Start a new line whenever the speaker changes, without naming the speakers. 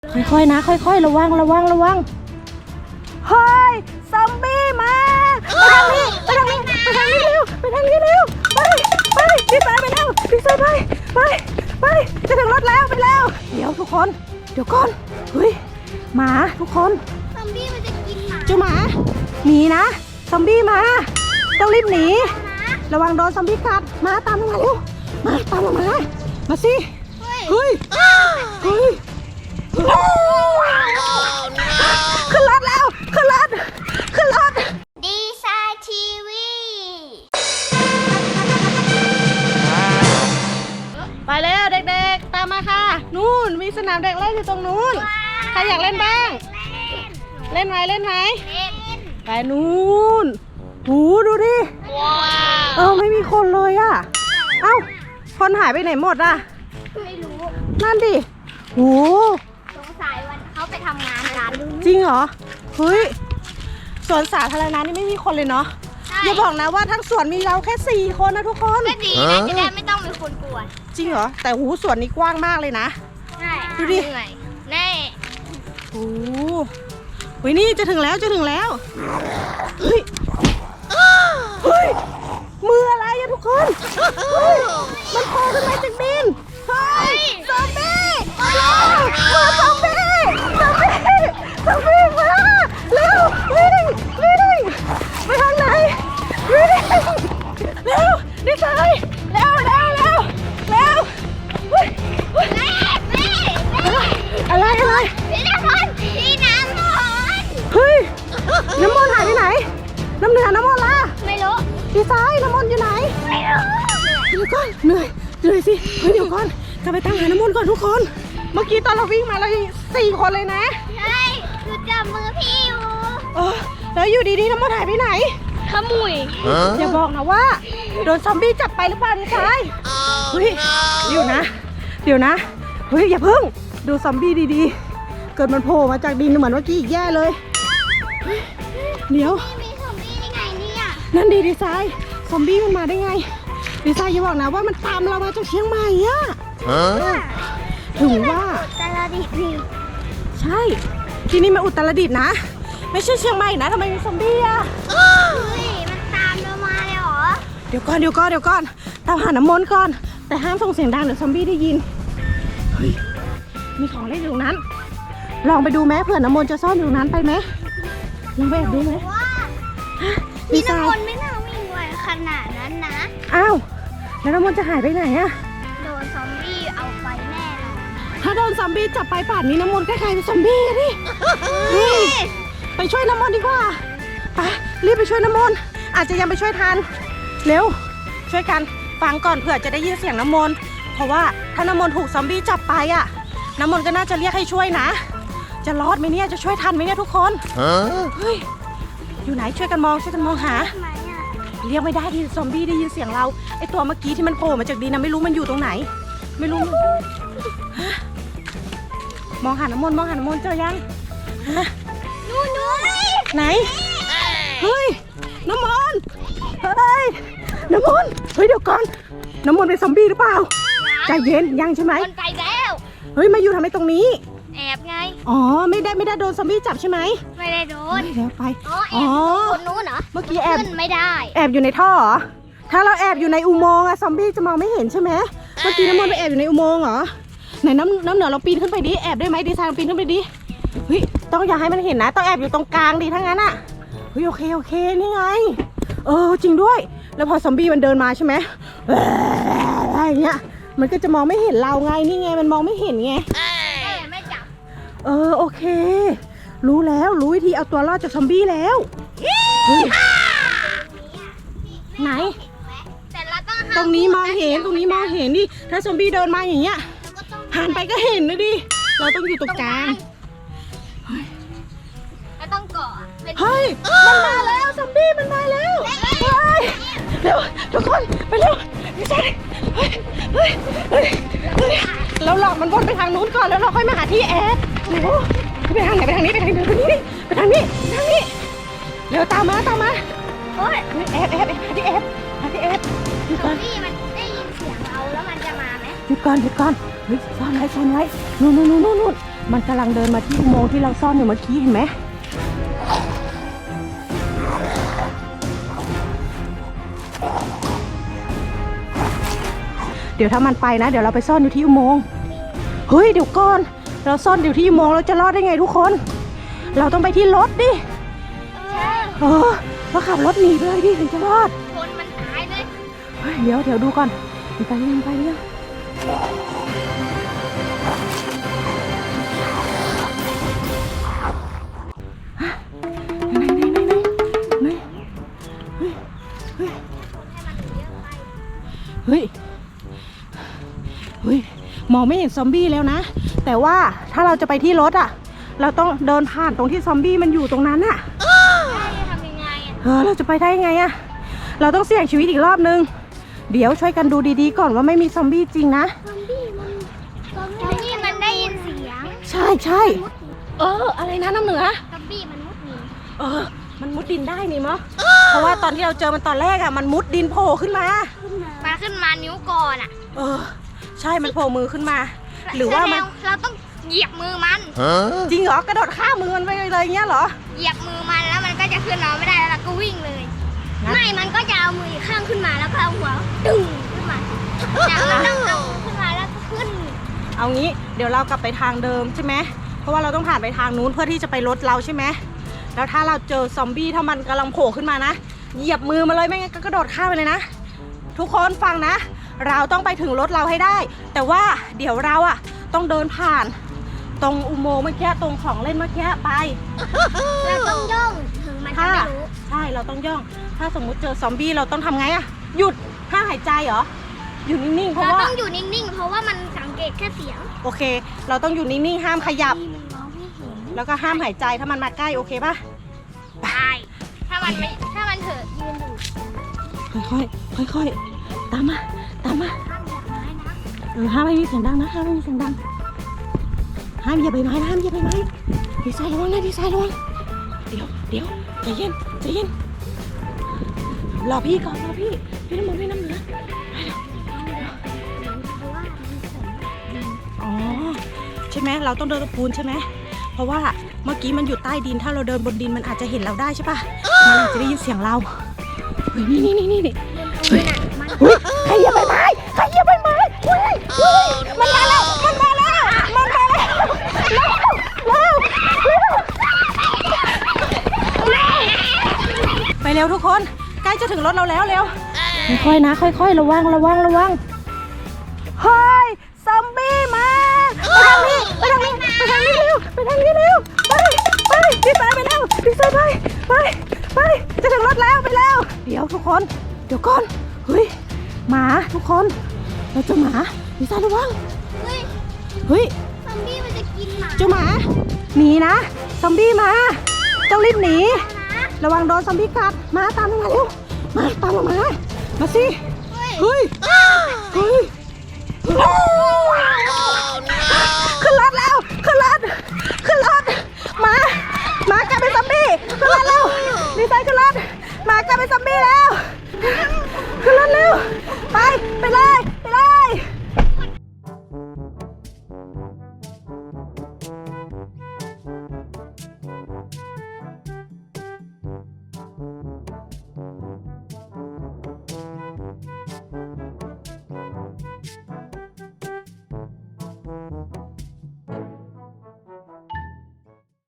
ค่อยๆนะค่อยๆระวังเฮ้ยซอมบี้มาไปทางนี้เร็วไปทางนี้เร็วไปดีไซน์ไปแล้วดีไซน์ไปจะถึงรถแล้วไปแล้วเดี๋ยวทุกคนเดี๋ยวก่อนเฮ้ยหมาทุกคน
ซอมบี้มันจะกินหมา
เจ้าหมาหนีนะซอมบี้มาต้องรีบหนีระวังโดนซอมบี้กัดมาตามมาเร็วมาตามมาสิเฮ้ยขึ้นรถแล้วขึ้นรถ
ดีไซน์ทีวี
ไปแล้วเด็กๆตามมาค่ะนู่นมีสนามเด็กเล่นอยู่ตรงนู้นใครอยากเล่นบ้างเล่นไหมไปนู่นหูดูดิไม่มีคนเลยอ่ะเอ้าคนหายไปไหนหมดอ่ะ
ไม่รู้
นั่นดิหู
สงสัยวันเขาไปทำงานกัน
จริงเหรอเฮ้ยสวนสาธารณะนี่ไม่มีคนเลยเนาะอย่าบอกนะว่าทั้งสวนมีเราแค่4 คนนะทุกคน
ก็ดีนะจะได้ไม่ต้องมีคนกวน
จริงเหรอแต่หูสวนนี้กว้างมากเลยนะดูดิ
แน่
โอ้โหนี่จะถึงแล้วเฮ้ยมืออะไรอะทุกคนมันโผล่ขึ้นมาจากดินเฮ้ยซอมบี้มาซอมบี้มาเร็ววิ่งไปทางไหนวิ่งเร็วดิฉันเร็วอะไร
พี่น้ำมัน
เฮ้ยน้ำมนต์หายไปไหนน้ำเหนือน้ำมนต์ล่ะ
ไม่รู้
ดีไซน์น้ำมนต์อยู่ไหน
ไม่รู้
เดี๋ยวก่อนเหนื่อยสิเดี๋ยวก่อนกลับไปตั้งหาน้ำมนต์ก่อนทุกคนเมื่อกี้ตอนเราวิ่งมาเรา4 คนเลยนะ
ใช่คือจับมือพี่อยู่
แล้วอยู่ดีๆน้ำมนต์หายไปไหน
ขมุย
อย่าบอกนะว่าโดนซอมบี้จับไปหรือเปล่าดีไซน์เฮ้ยเดี๋ยวนะเฮ้ยอย่าเพิ่งดูซอมบี้ดีๆเกิดมันโผล่มาจากดินเหมือนเมื่อกี้อีกแย่เลยเดี๋ยว
มีซอมบี้ได้ไงเนี่ย
นั่นดีไซน์ซอมบี้มันมาได้ไงดีไซน์อย่าบอกนะว่ามันตามเรามาจากเชียงใหม่อะถึงว่า
อุตรดิตถ์
ใช่ที่นี่มาอุตรดิตถ์นะไม่ใช่เชียงใหม่นะทำไมมีซอมบี้อะ
เฮ้ยมันตามเรามาเลยเหรอ
เดี๋ยวก่อนตามหาน้ำมนต์ก่อนแต่ห้ามส่งเสียงดังเดี๋ยวซอมบี้ได้ยินเฮ้ยมีของเล่นอยู่นั้นลองไปดูไหมเผื่อน้ำมนต์จะซ่อนอยู่นั้นไปไหมลองไปแอบดูไหม
พี่น้ำมนต์ไม่น่าวิ่งไวขนาดนั้นนะ
อ้าวแล้วน้ำมนต์จะหายไปไหนอะ
โดนซอมบี้เอาไปแน่เลย
ถ้าโดนซอมบี้จับไปป่านนี้น้ำมนต์ก็กลายเป็นซอมบี้ดิไปช่วยน้ำมนต์ดีกว่าไปรีบไปช่วยน้ำมนต์อาจจะยังไปช่วยทันเร็วช่วยกันฟังก่อนเผื่อจะได้ยินเสียงน้ำมนต์เพราะว่าถ้าน้ำมนต์ถูกซอมบี้จับไปอะน้ำมนต์ก็น่าจะเรียกให้ช่วยนะจะรอดไหมเนี่ยจะช่วยทันไหมเนี่ยทุกคนเฮ้ยอยู่ไหนช่วยกันมองหาเรียกไม่ได้ดิซอมบี้ได้ยินเสียงเราไอตัวเมื่อกี้ที่มันโผล่มาจากดินนะไม่รู้มันอยู่ตรงไหนไม่รู้มองหาน้ำมนต์เจอยัง
นู่น
ไหนเฮ้ยน้ำมนต์เดี๋ยวก่อนน้ำมนต์เป็นซอมบี้หรือเปล่าใจเย็นยังใช่ไหม
คนไปแล้ว
เฮ้ยมาอยู่ทำไมตรงนี้
แอบไง
อ๋อไม่ได้โดนซอมบี้จับใช่ไหม
ไม่ได้โดน
เดี๋ยวไป
แอบคนนู้นเหรอ
เมื่อกี้แอบ
ไม่ได้
แอบอยู่ในท่อเหรอถ้าเราแอบอยู่ในอุโมงค์อะซอมบี้จะมองไม่เห็นใช่ไหมเมื่อกี้น้ำมนต์ไปแอบอยู่ในอุโมงค์เหรอไหนน้ำเหนือเราปีนขึ้นไปดิแอบได้ไหมดีไซน์ปีนขึ้นไปดิเฮ้ยต้องอย่าให้มันเห็นนะต้องแอบอยู่ตรงกลางดิทั้งนั้นอะเฮ้ยโอเคนี่ไงจริงด้วยแล้วพอซอมบี้มันเดินมาใช่ไหมอะไรเงี้ยมันก็จะมองไม่เห็นเราไงนี่ไงมันมองไม่เห็นไง
ไม่จับ
โอเครู้วิธีเอาตัวรอดจากซอมบี้แล้วไหนตรงนี้มองเห็นดิถ้าซอมบี้เดินมาอย่างเงี้ยหันไปก็เห็นเลยดิเราต้องอยู่ตรงกลาง
แล้วต้องเกาะ
เฮ้ยมันมาแล้วซอมบี้มันมาแล้วเร็วทุกคนไปเร็วไม่ใช่เฮ้ยเราหลอกมันวนไปทางนู้นก่อนแล้วเราค่อยมาหาที่แอบไปทางไหนไปทางนี้เร็วตามมา
โอ้ย
แอบที่แอบ
ซอมบี้มันได้ยินเสียงเราแล้วมันจะมาไหม
หยุดก่อนเฮ้ยซ่อนไว้นู่นมันกำลังเดินมาที่อุโมงค์ที่เราซ่อนอยู่เมื่อกี้เห็นไหมเดี๋ยวถ้ามันไปนะเดี๋ยวเราไปซ่อนอยู่ที่อุโมงค์เฮ้ยเดี๋ยวก่อนเราซ่อนอยู่ที่อุโมงค์เราจะรอดได้ไงทุกคนเราต้องไปที่รถดิเราขับรถหนีไปเลยดิถึงจะรอด
คนมันตายเลย
เฮ้ยเดี๋ยวดูก่อนมันไปยังไหนเฮ้ยมองไม่เห็นซอมบี้แล้วนะแต่ว่าถ้าเราจะไปที่รถอ่ะเราต้องเดินผ่านตรงที่ซอมบี้มันอยู่ตรงนั้นอ่ะ
ทำยังไง
เราจะไปได้ยังไงอ่ะเราต้องเสี่ยงชีวิตอีกรอบนึงเดี๋ยวช่วยกันดูดีๆก่อนว่าไม่มีซอมบี้จริงนะ
ซอมบี้มันได้ยินเสียง
ใช่อะไรนะน้ำเหนือ
ซอมบี้มันมุดดิน
มันมุดดินได้นี่มั้งเพราะว่าตอนที่เราเจอมันตอนแรกอ่ะมันมุดดินโผล่ขึ้นมา
นิ้วก่อนอ่ะ
ใช่มันโผล่มือขึ้นมาหรือว่า
เราต้องเหยียบมือมัน
จริงเหรอกระโดดข้ามมือมันไปเลยเงี้ยเหรอ
เหยียบมือมันแล้วมันก็จะขึ้นเราไม่ได้แล้วเราก็วิ่งเลยไม่มันก็จะเอามืออีกข้างขึ้นมาแล้วก็เอาหัวดึงขึ้นมาแล้วมันต้องเอาขึ้นมาแล้วก็ขึ้น
เอางี้เดี๋ยวเรากลับไปทางเดิมใช่ไหมเพราะว่าเราต้องผ่านไปทางนู้นเพื่อที่จะไปรถเราใช่ไหมแล้วถ้าเราเจอซอมบี้ถ้ามันกำลังโผล่ขึ้นมานะเหยียบมือมาเลยไม่งั้นก็กระโดดข้ามไปเลยนะทุกคนฟังนะเราต้องไปถึงรถเราให้ได้แต่ว่าเดี๋ยวเราอ่ะต้องเดินผ่านตรงอุโมงค์เมื่อกี้ตรงของเล่นเมื่อกี้ไป
เราต้องย่องถึงมันจะไม่รู้
ใช่เราต้องย่องถ้าสมมุติเจอซอมบี้เราต้องทำไงอ่ะหยุดห้ามหายใจเหรออยู่นิ่งๆเพราะว่า
เราต้องอยู่นิ่งๆเพราะว่ามันสังเกตแค่เสียง
โอเคเราต้องอยู่นิ่งๆห้ามขยับแล้วก็ห้ามหายใจถ้ามันมาใกล้โอเคป่ะ
ได้ถ้ามันเถอะยืนอยู่
ค่อยตามมาห้ามไม่มีเสียงดังนะห้ามไม่มีเสียงดังห้ามเหยียบใบไม้นะห้ามเหยียบใบไม้ดีไซน์ระวังนะดีไซน์ระวังเดี๋ยวใจเย็นรอพี่ก่อนรอพี่น้ำมันพี่น้ำเหนือใช่ไหมเราต้องเดินตะปูนใช่ไหมเพราะว่าเมื่อกี้มันอยู่ใต้ดินถ้าเราเดินบนดินมันอาจจะเห็นเราได้ใช่ปะมันอาจจะได้ยินเสียงเราเฮ้ยนี่ใครเหยียบใบไม้มันมาแล้วไปเร็วทุกคนใกล้จะถึงรถเราแล้วเร็วค่อยๆนะค่อยๆระวังเฮ้ยซอมบี้มาไปทางนี้เร็วไปดีไซน์ไปแล้วดีไซน์ไปจะถึงรถแล้วไปแล้วเดี๋ยวทุกคนเดี๋ยวก่อนเฮ้ยหมาทุกคนเราเจอหมาดีไซน์ระวังเฮ้ย
ซอมบี้มันจะกินหมา
เจ้าหมาหนีนะซอมบี้มาต้องรีบหนีระวังโดนซอมบี้กัดมาตามลงมาเร็วมาตามลงมาสิเฮ้ยขึ้นรถแล้ว